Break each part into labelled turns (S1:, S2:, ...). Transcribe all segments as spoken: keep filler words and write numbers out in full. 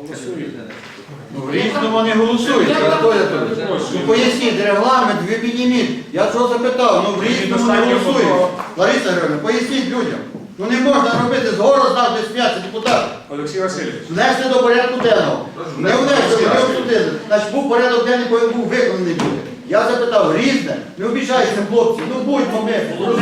S1: Ну, в різному не голосують. Ну, поясніть регламент, ви підніміть. Я що запитав, ну в різному не голосують. Лариса Григорівна, поясніть людям. Ну не можна робити згору знати сміятися депутат.
S2: Олексій Васильович.
S1: Внесли до порядку денного. Не внесли, не обсудили. Значить, був порядок денний, який був виконаний буде. Я запитав, різне, не обіжайся, хлопці, ну будьмо ми,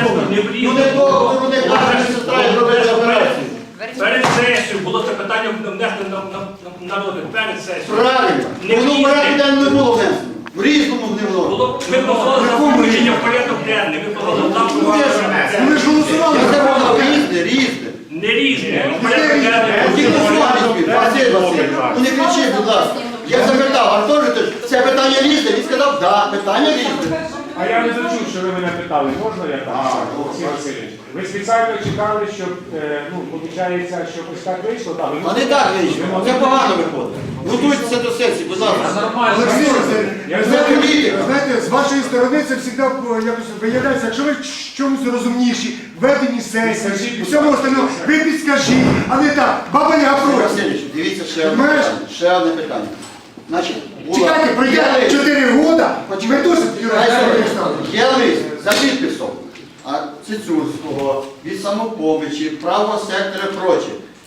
S1: ну не того, ну не каже, сестра, і зробили операцію.
S3: Перед сесією було це питання внесено на, на, на, на розгляд, перед сесією.
S1: Правильно. Воно в порядку денному не було внесено. В різному не було.
S3: Було, ми позволили за включення в порядок денний, ми позволили там,
S1: Ну я ж
S4: Ми ж голосували.
S1: Я запитав, різне, різне.
S3: не різне, в порядок
S1: Ті,
S3: денний.
S1: хто слухає, Василь Васильович, ну не кричіть, будь ласка. Я запитав, Артур, це питання різне? Він сказав, так, питання різне.
S2: А я не зачув, що ви мене питали, можна я так? Олексій Васильович. Ви спеціально чекали, щоб, е, ну, виходить, щоб ось так вийшло? Так, ви
S1: А не так вийшло, це погано виходить. Готуйтеся до сесії, будь ласка.
S4: Олексій Васильович,
S2: Я
S4: ви знаєте, знаєте, з вашої сторони це завжди якось виявляється, якщо ви в чомусь розумніші, в веденні сесії, в всьому остальному, ви підскажіть, а не так, баба я
S1: Василь
S4: проти.
S1: Васильович, дивіться ще одне
S4: Знаєш?
S1: питання. Ще одне питання. Значить, була-
S4: Чекайте, пройде
S1: є лист.
S4: чотири роки, ми теж
S1: Хай собі. Є лист за підписом а Цицюрського, від Самопомочі, правого сектора і проче,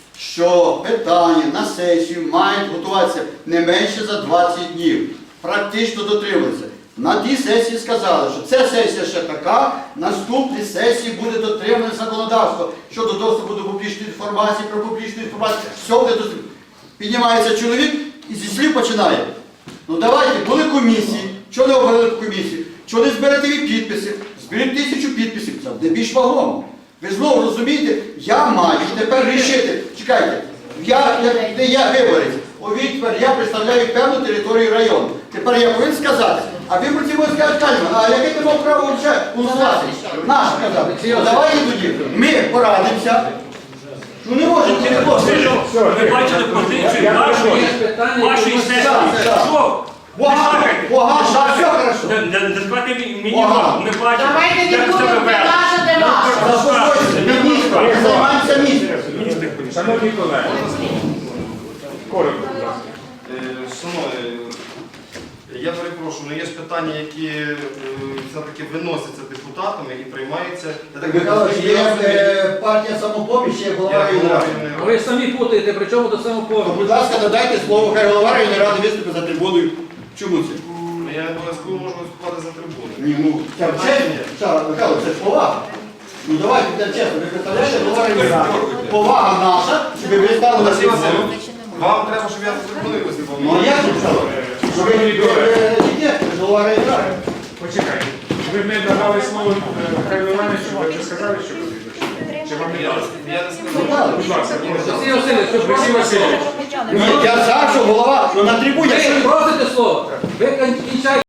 S1: що питання на сесію мають готуватися не менше за двадцять днів. Практично дотримуються. На тій сесії сказали, що ця сесія ще така, наступні сесії буде дотримане законодавство щодо доступу до публічної інформації, про публічну інформацію, все буде доступно. Піднімається чоловік і зі слів починає. Ну давайте, були комісії, чого не обрали комісію, чого не зберете ви підписи, зберіть тисячу підписів, це буде більш вагомо. Ви знову розумієте, я маю тепер рішити, чекайте, я, я, де я виборець, у відтепер я представляю певну територію району. Тепер я повинен сказати, а виборці можуть сказати, Кальман, а яке ти мав право вже голосувати? Наш казав. Ну, давайте тоді, ми порадимося. Ну не можемо, не можемо.
S3: Ви бачили позицію вашої, вашої сесії. Що?
S1: Погано, погано, а все хорошо.
S3: Не, не, не складайте мені вам, ми бачимо.
S5: Давайте не
S3: як
S5: будемо
S3: себе веде.
S5: вилажити вас.
S1: Заспокойтесь, міністр, ми займаємося міністром.
S2: Шановні колеги, коротко, будь ласка.
S6: Е, Шановні, я перепрошую, але є ж питання, які е, все-таки виносяться депутатами і приймаються. Я так
S1: Михайло, є е, партія самопоміч, є голова районної ради.
S7: А ви самі путаєте, при чому до самопомочі?
S1: Будь ласка, надайте слово, хай голова районної ради виступить за трибуною. Чому це?
S6: Я не обов'язково можу виступати за трибуною.
S1: Ні, ну, це чесно. Михайло, це ж повага. Ну давайте, це чесно, ви представляєте, голова районної ради. Повага наша, щоб ви стали на
S6: Василь
S1: трибуну.
S6: Васильович, вам треба, щоб я за трибуною виступав.
S1: Ну а як же це? Що ви не голова районної ради?
S2: Почекайте. Ви не давали слово е, Михайлу Івановичу, ви вже сказали, що ви Чи вам не
S6: Я,
S2: дали?
S6: я не сказав.
S1: Михайло,
S2: Будь ласка,
S7: Олексій Васильович, що
S2: Олексій Васильович.
S1: ні, я за, що голова, ну на трибуні.
S7: ви просите слово, ви кінчаєте.